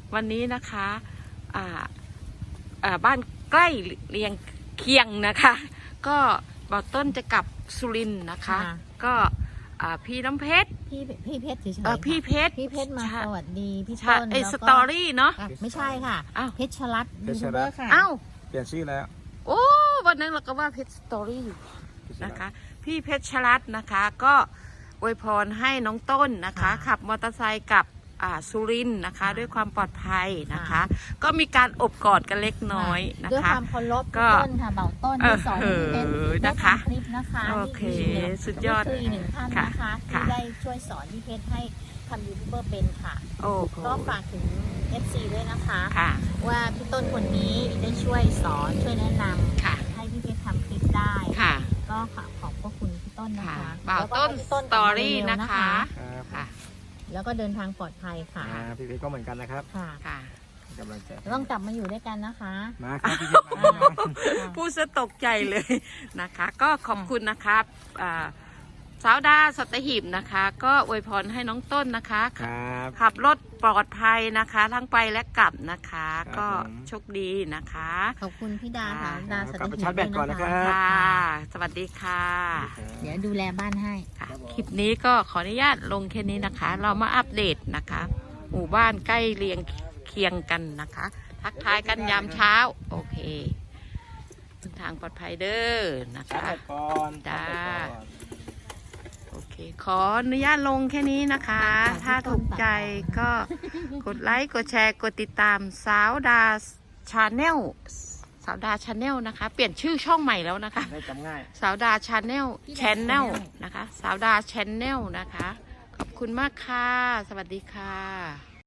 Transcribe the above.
วันนี้นะคะบ้านใกล้เรียงเคียงนะคะ ก็บ่าวต้นจะกลับสุรินทร์นะคะก็พี่น้ำเพชรพี่เพชรเฉยๆพี่เพชรมาสวัสดีพี่ต้นสตอรี่เนาะไม่ใช่ค่ะเพชรชลัดยูทูบเบอร์ค่ะเปลี่ยนชื่อแล้วโอ้วันนั้นเราก็ว่าเพชรสตอรี่อยู่นะคะพี่เพชรชลัดนะคะก็อวยพรให้น้องต้นนะคะขับมอเตอร์ไซค์กับสุรินทร์นะคะด้วยความปลอดภัยนะคะก็มีการอบกอดกันเล็กน้อยนะคะด้วยความเคารพต้นค่ะเบาต้นที่สอนเป็นนะคะคลิปนะคะโอเคสุดยอดคือหนึ่งท่านนะคะที่ได้ช่วยสอนพี่เพชรให้ทำยูทูบเบอร์เป็นค่ะก็ฝากถึง FC ด้วยนะคะว่าพี่ต้นคนนี้ได้ช่วยสอนช่วยแนะนำให้พี่เพชรทำคลิปได้ก็ขอบพระคุณพี่ต้นนะคะบ่าวต้นสตอรี่นะคะแล้วก็เดินทางปลอดภัยค่ะพี่เพชรก็เหมือนกันนะครับค่ะกำลังใจต้องกลับมาอยู่ด้วยกันนะคะมาครับพี่เพชรพูดซะตกใจเลยนะคะก็ขอบคุณนะครับสาวดาสัตหีบนะคะก็อวยพรให้น้องต้นนะคะขับรถปลอดภัยนะคะทั้งไปและกลับนะคะก็โชคดีนะคะขอบคุณพี่ดาค่ะดาสัตหีบชาร์จแบตก่อนนะครับสวัสดีค่ะเดี๋ยวดูแลบ้านให้ค่ะคลิปนี้ก็ขออนุญาตลงแค่นี้นะคะเรามาอัปเดตนะคะหมู่บ้านใกล้เรียงเคียงกันนะคะทักทายกันยามเช้าโอเคทางปลอดภัยเด้อนะคะจ้าโอเคขออนุญาตลงแค่นี้นะคะถ้าถูกใจก็กดไลค์กดแชร์กดติดตามสาวดาชาแนลนะคะเปลี่ยนชื่อช่องใหม่แล้วนะคะจำง่ายสาวดาชาแนลนะคะสาวดาชาแนลนะคะขอบคุณมากค่ะสวัสดีค่ะ